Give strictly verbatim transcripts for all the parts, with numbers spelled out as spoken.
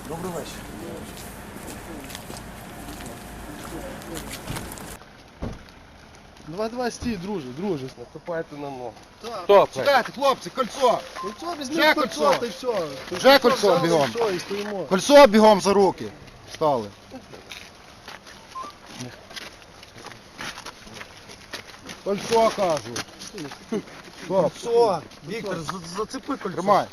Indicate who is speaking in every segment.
Speaker 1: Добрий вечір.
Speaker 2: Давай, давай, стій, друже, друже.
Speaker 1: Наступайте на ногу.
Speaker 2: Стоп,
Speaker 1: Чекайте, хлопці, кольцо!
Speaker 2: Кольцо
Speaker 1: Вже
Speaker 2: візьми,
Speaker 1: кольцо.
Speaker 2: кольцо, та й все.
Speaker 1: Вже кольцо бігом.
Speaker 2: Все, і стоїмо.
Speaker 1: Кольцо бігом за руки. Стали. Кольцо, кажу. Кольцо. Віктор, за- зацепи кольцо. Тримай.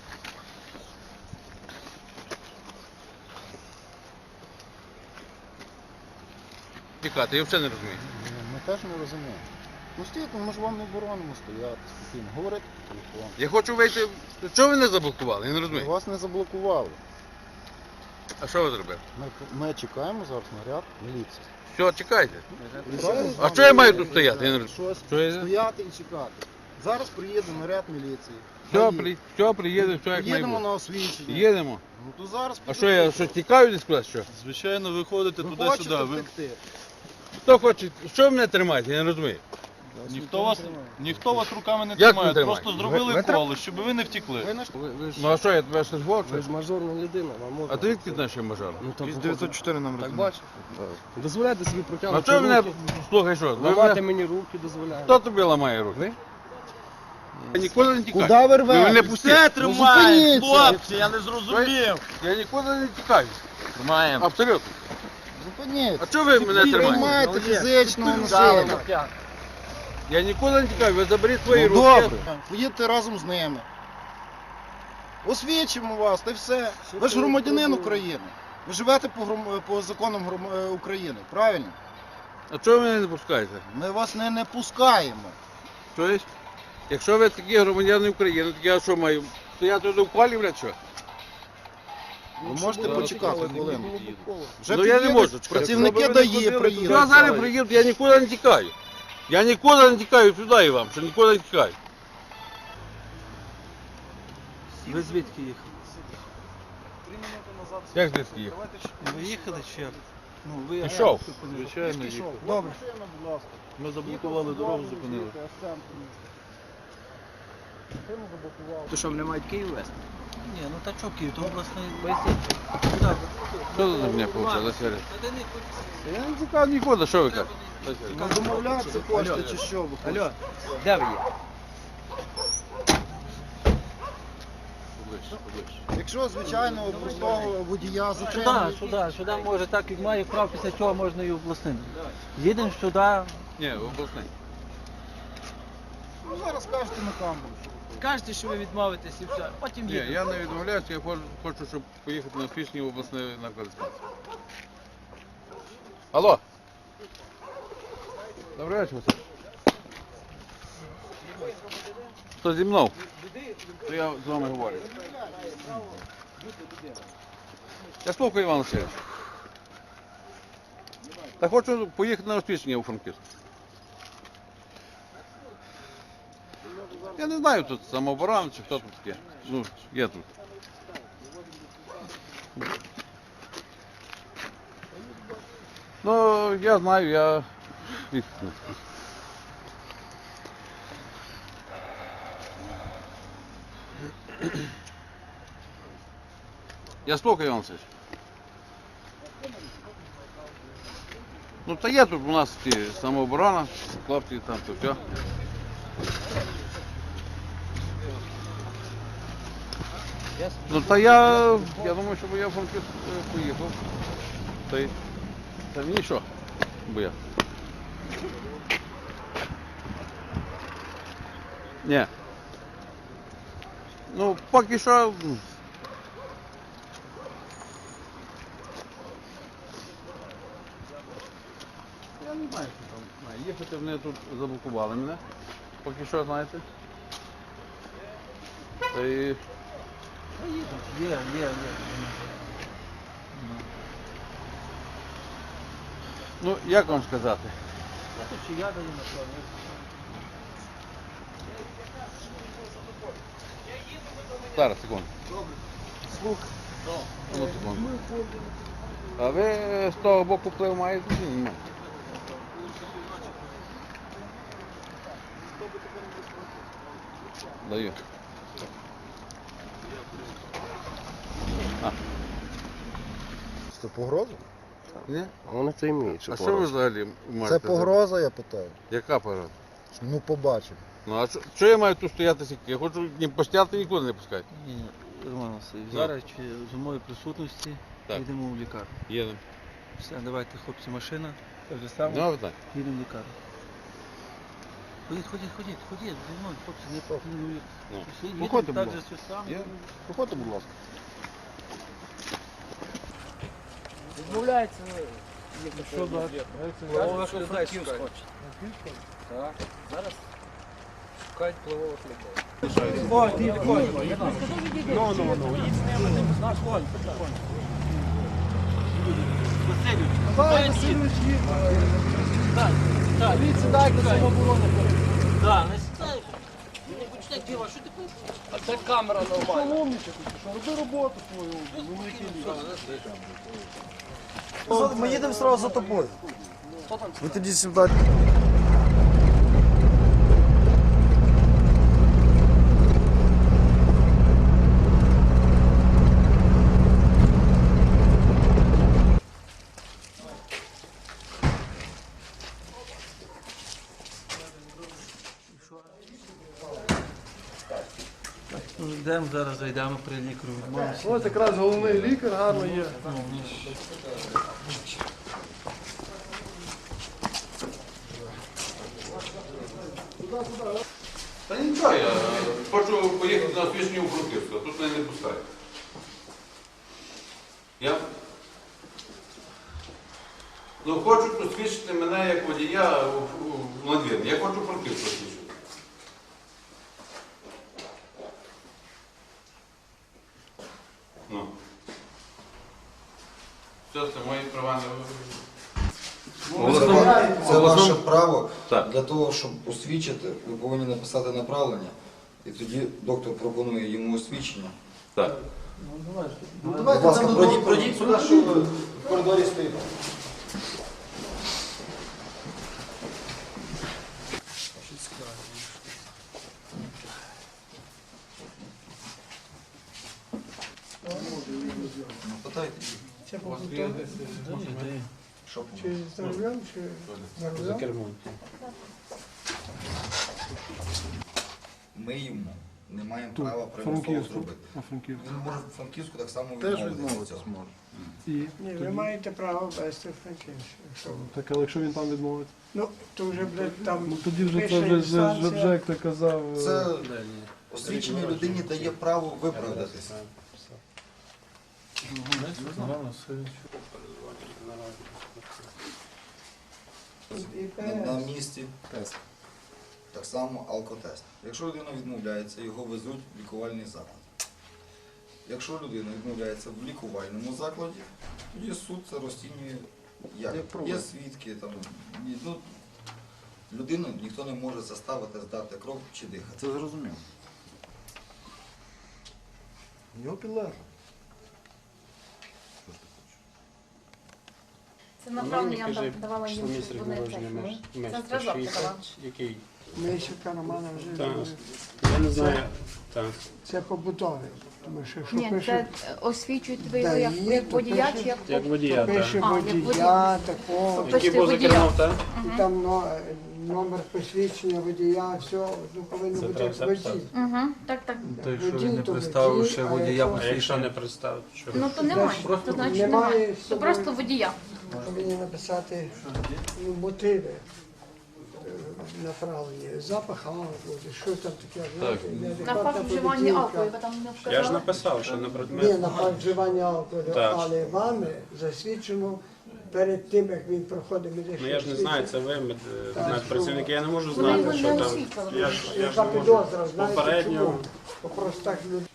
Speaker 3: Тікати, я взагалі не розумію.
Speaker 1: Ми теж не розуміємо. Ну стійте, ми ж вам не боронимо стояти спокійно. Говорити по телефону.
Speaker 3: Я хочу вийти. Чого ви не заблокували? Я не розумію.
Speaker 1: Вас не заблокували.
Speaker 3: А що ви зробили?
Speaker 1: Ми, ми чекаємо зараз наряд міліції.
Speaker 3: Все, чекайте.
Speaker 1: Рішаємо з
Speaker 3: А
Speaker 1: вами
Speaker 3: що я маю
Speaker 1: говорити,
Speaker 3: тут стояти? Я не
Speaker 1: так,
Speaker 3: розумію.
Speaker 1: щось
Speaker 3: Що я-
Speaker 1: стояти і чекати. Зараз приїде наряд міліції.
Speaker 3: Все,
Speaker 1: Гаї.
Speaker 3: при... все приїде, все як має
Speaker 1: Їдемо
Speaker 3: бути.
Speaker 1: на освічення.
Speaker 3: Їдемо.
Speaker 1: Ну то зараз
Speaker 3: А що я що тікаю десь кудись? Що?
Speaker 2: Звичайно, ви ходите
Speaker 1: ви
Speaker 2: туди-сюди.
Speaker 1: хочете
Speaker 2: Ви...
Speaker 1: втекти?
Speaker 3: Хто хоче? Що ви мене тримаєте? Я не розумію.
Speaker 2: Ніхто вас, ніхто вас руками не
Speaker 3: Як не
Speaker 2: тримає,
Speaker 3: тримає?
Speaker 2: просто зробили
Speaker 1: Ви- ви
Speaker 2: коло, щоб ви не втекли.
Speaker 1: Ви наш...
Speaker 3: Ну а що, я тебе щось
Speaker 4: Ви
Speaker 3: хочу?
Speaker 4: ж мажорна людина, вам можна.
Speaker 3: А ти відки знаєш, що я мажор?
Speaker 4: Ну, так,
Speaker 1: Із дев'ятсот чотири номер.
Speaker 4: Так бачу. Дозволяйте собі
Speaker 3: А
Speaker 4: протягнути
Speaker 3: що ви мене,
Speaker 4: руки.
Speaker 3: слухай, що? Ви
Speaker 4: Ламати
Speaker 3: мене...
Speaker 4: мені руки дозволяєте.
Speaker 3: Хто тобі ламає руки?
Speaker 4: Ви?
Speaker 3: Я нікуди не тікаю.
Speaker 1: Куди ви
Speaker 3: Ви
Speaker 1: рвете?
Speaker 3: мене пустіть.
Speaker 1: Все тримає, хлопці,
Speaker 2: я не зрозумів.
Speaker 3: Я нікуди не тікаю.
Speaker 2: Тримаємо.
Speaker 3: Абсолютно.
Speaker 1: Зупиніть.
Speaker 3: А чого ви мене тримаєте?
Speaker 1: Приймайте фізичного насилля.
Speaker 3: Я нікуди не тікаю, ви заберіть свої
Speaker 1: Ну,
Speaker 3: руки.
Speaker 1: добре. Поїдьте разом з ними. Освічимо вас, та й все. Ви ж громадянин України. Ви живете по, гром- по законам гром- е, України, правильно?
Speaker 3: А чого ви мене не пускаєте?
Speaker 1: Ми вас не, не пускаємо.
Speaker 3: Тобто, якщо ви такі громадяни України, то я що маю? Стояти тут в палі, блядь, що?
Speaker 1: Ви можете почекати хвилину. Вже
Speaker 3: Ну, я не
Speaker 1: приїдуть
Speaker 3: можу чекати.
Speaker 1: працівники
Speaker 3: Щоб ви не
Speaker 1: ДАІ
Speaker 3: ходили
Speaker 1: приїдуть.
Speaker 3: Я зараз приїду, я нікуди не тікаю. Я нікуди не тікаю сюди і вам, що нікуди не тікаю.
Speaker 5: Ви звідки їхали?
Speaker 3: Як звідки їх?
Speaker 5: Ви їхали чи як? Ну, ви
Speaker 3: Пішов.
Speaker 2: Звичайно, їхали.
Speaker 1: Добре.
Speaker 2: Ми заблокували дорогу, зупинили.
Speaker 5: То що, вони мають Київ вести? Ні, ну та чого Київ, то обласний поясніть. Куди?
Speaker 3: Що за мене вийшло, Сергій? Я не тікав нікуди, що ви кажете?
Speaker 1: Ну, домовлятися хочете чи що ви хочете?
Speaker 5: Алло, де ви є?
Speaker 3: Поближче, поближче.
Speaker 1: Якщо, звичайно, простого водія
Speaker 5: Сюди,
Speaker 1: затримують.
Speaker 5: сюди, сюди може так, як має прав, після цього можна і обласним. Їдемо сюди.
Speaker 3: Ні, обласний.
Speaker 1: Ну, зараз кажете на камеру.
Speaker 5: Скажете, що ви відмовитесь і все. Потім
Speaker 3: Ні,
Speaker 5: їдемо.
Speaker 3: я не відмовляюся, я хочу, хочу, щоб поїхати на Фішні в обласний наркодиспансер. Алло. Добрий вечір, Василь. Хто зі мною? То я з вами говорю. Я слухаю, Іван Васильович. Та хочу поїхати на освічення у Франківськ. Я не знаю, тут самооборона чи хто тут таке. Ну, є тут. Ну, я знаю, я... Я слухаю, Іван Васильович. Ну, та є тут у нас ті самооборона, хлопці там, то все. Ну, та я, я думаю, щоб я в Франківськ е, поїхав. Та й, та мені що, бо я. Ні. Ну, поки що... м. Я не знаю, що там має їхати, вони тут заблокували мене. Поки що, знаєте. Та й...
Speaker 5: Є, є, є.
Speaker 3: Ну, як вам сказати?
Speaker 5: Я тут чи я даю на то.
Speaker 3: Зараз, секунду.
Speaker 1: Слух.
Speaker 3: Одну секунду. А ви з того боку вплив маєте? Ні, немає. Даю. А.
Speaker 1: Це погроза?
Speaker 3: Ні?
Speaker 4: А вони це вміють, що
Speaker 3: А що ви
Speaker 4: погрожувати.
Speaker 3: взагалі маєте?
Speaker 1: Це погроза, я питаю.
Speaker 3: Яка погроза?
Speaker 1: Ну побачимо.
Speaker 3: Ну а що, що я маю тут стояти сіки? Я хочу не постояти, нікуди не пускати.
Speaker 5: Ні, Роман Васильович,
Speaker 3: Ну.
Speaker 5: зараз чи з моєї присутності
Speaker 3: Так.
Speaker 5: йдемо в лікарню.
Speaker 3: Їдемо.
Speaker 5: Все, давайте, хлопці, машина. Те вже саме.
Speaker 3: Ну, так.
Speaker 5: Їдемо в лікарню. Ходіть, ходіть, ходіть, ходіть, зі мною, хлопці, не пропонують.
Speaker 3: Ну.
Speaker 1: Виходьте,
Speaker 5: так
Speaker 1: будь
Speaker 5: же все саме.
Speaker 1: Є? Проходьте, будь ласка.
Speaker 5: Відмовляється. Що далі? Плавових людей шукають. Так. Зараз шукають плавових людей. Ой, ти відходь. Ну, ну, ну. Їдь з ними, наш конь. Васильович. Давай, Васильович, їдь. Так, так. Від сідай до самооборони. Так, не сідай. Не почитай діла, що ти хочеш? А це камера нормальна.
Speaker 1: Роби роботу свою.
Speaker 6: Ми їдемо одразу за тобою. Ви тоді сюди.
Speaker 5: Йдемо зараз, зайдемо при лікарю. Відмовимося.
Speaker 4: Ось якраз головний лікар гарно є.
Speaker 3: Та нічого, я хочу поїхати на освічення у Франківську, тут мене не пускають. Я? Ну, хочуть посвідчити мене як водія в, в, в надвірні. Я хочу Франківську посвідчити. Ну. Все, це мої права не...
Speaker 6: Це ваше право.
Speaker 3: Так.
Speaker 6: Для того, щоб освідчити, ви повинні написати направлення. І тоді доктор пропонує йому освідчення.
Speaker 3: Так.
Speaker 6: Будь ласка, пройдіть, пройдіть сюди, що ви в коридорі стоїте. Ну, питайте. Що
Speaker 7: Чи за рулем, чи за рулем?
Speaker 6: Ми йому не маємо права примусово зробити.
Speaker 4: На Франківську.
Speaker 6: Він може в Франківську так само
Speaker 1: Теж
Speaker 6: відмовитися.
Speaker 1: відмовитися зможе.
Speaker 4: І
Speaker 7: Ні, ви маєте право вести Франківську. Якщо ви-
Speaker 4: так, але якщо він там відмовиться?
Speaker 7: Ну, то вже, блядь, там
Speaker 4: Ну тоді вже
Speaker 7: пише
Speaker 4: це вже, вже, вже,
Speaker 7: інстанція.
Speaker 4: як ти казав. е,
Speaker 6: Це освіченій людині дає право виправдатися. На, на місці
Speaker 1: Тест.
Speaker 6: так само алкотест. Якщо людина відмовляється, його везуть в лікувальний заклад. Якщо людина відмовляється в лікувальному закладі, тоді суд це розцінює як.
Speaker 1: Як проблема.
Speaker 6: Є свідки, там, ні- ну, людину ніхто не може заставити здати кров чи дихати.
Speaker 1: Це зрозуміло. Його підлегло.
Speaker 8: Це направлення я вам давала їм, щоб вони це. Це зразок я давала.
Speaker 9: Який?
Speaker 7: Мисюка Романа вже
Speaker 9: Так.
Speaker 7: зробив.
Speaker 9: Я не знаю. Так.
Speaker 7: Це побутове. Тому що якщо
Speaker 8: Ні,
Speaker 7: пише,
Speaker 8: це освічують ви
Speaker 7: Да,
Speaker 8: як,
Speaker 7: є,
Speaker 8: як
Speaker 7: то
Speaker 8: водія
Speaker 7: пише-
Speaker 8: чи як
Speaker 9: Як водія,
Speaker 7: пише
Speaker 9: так.
Speaker 8: А, як
Speaker 7: водія,
Speaker 8: водія.
Speaker 7: такого,
Speaker 8: Тобто
Speaker 9: Який
Speaker 8: ти
Speaker 9: був за
Speaker 8: водія.
Speaker 9: кермом, так?
Speaker 7: і там но- номер посвідчення водія, все, ну, повинно
Speaker 9: Це
Speaker 7: бути
Speaker 9: треба
Speaker 7: як
Speaker 9: все
Speaker 7: водій.
Speaker 9: писати.
Speaker 8: Угу, так, так.
Speaker 5: То якщо
Speaker 7: Водій,
Speaker 5: він не
Speaker 7: то
Speaker 5: представив
Speaker 7: водій,
Speaker 5: ще
Speaker 7: а
Speaker 5: водія
Speaker 7: якщо-
Speaker 9: А якщо
Speaker 5: посвідчення.
Speaker 9: не представити, що?
Speaker 8: Ну то немає,
Speaker 7: Просто
Speaker 8: то значить
Speaker 7: немає
Speaker 8: немає.
Speaker 7: з
Speaker 8: То
Speaker 7: собою.
Speaker 8: просто водія.
Speaker 7: Повинні написати ну, мотиви е, направлення, запах алкоголю, що там таке, знаєте,
Speaker 8: На
Speaker 7: неадекватна
Speaker 8: факт вживання
Speaker 7: поведінка.
Speaker 8: алкоголю, ви там не
Speaker 9: Я ж
Speaker 8: вказали.
Speaker 9: написав, що на
Speaker 7: Ні,
Speaker 9: предмет.
Speaker 7: на факт вживання алкоголю,
Speaker 9: Так.
Speaker 7: але вами засвідчено перед тим, як він проходить медичне
Speaker 9: Ну я ж не знаю, це ви, мед-
Speaker 7: Так.
Speaker 9: медпрацівники, я не можу
Speaker 8: Вони його
Speaker 9: знати,
Speaker 8: не
Speaker 9: що там.
Speaker 8: освітлювали.
Speaker 9: Я ж, я ж
Speaker 7: Яка
Speaker 9: не можу
Speaker 7: підозра, знаєте
Speaker 9: попередньо.
Speaker 7: чому? Бо просто так люди.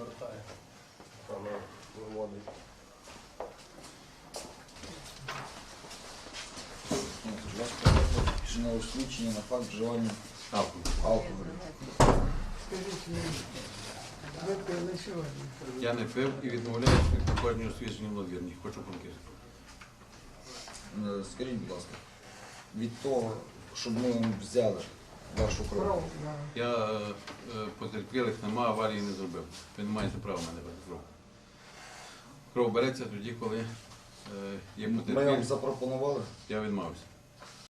Speaker 6: Ну, будь ласка, на освідчення на факт вживання алкоголю.
Speaker 7: Скажіть мені, ви пили сьогодні?
Speaker 3: Я не пив і відмовляюся від проходження освічення в надвірні. Хочу Франківську.
Speaker 6: Е, Скажіть, будь ласка, від того, щоб ми вам взяли вашу кров,
Speaker 7: Кров, да.
Speaker 3: Я е, потерпілих нема, аварії не зробив. Ви не маєте права мене брати кров. Кров береться тоді, коли Є
Speaker 6: Ми вам
Speaker 3: потерпілі.
Speaker 6: запропонували.
Speaker 3: Я відмовився.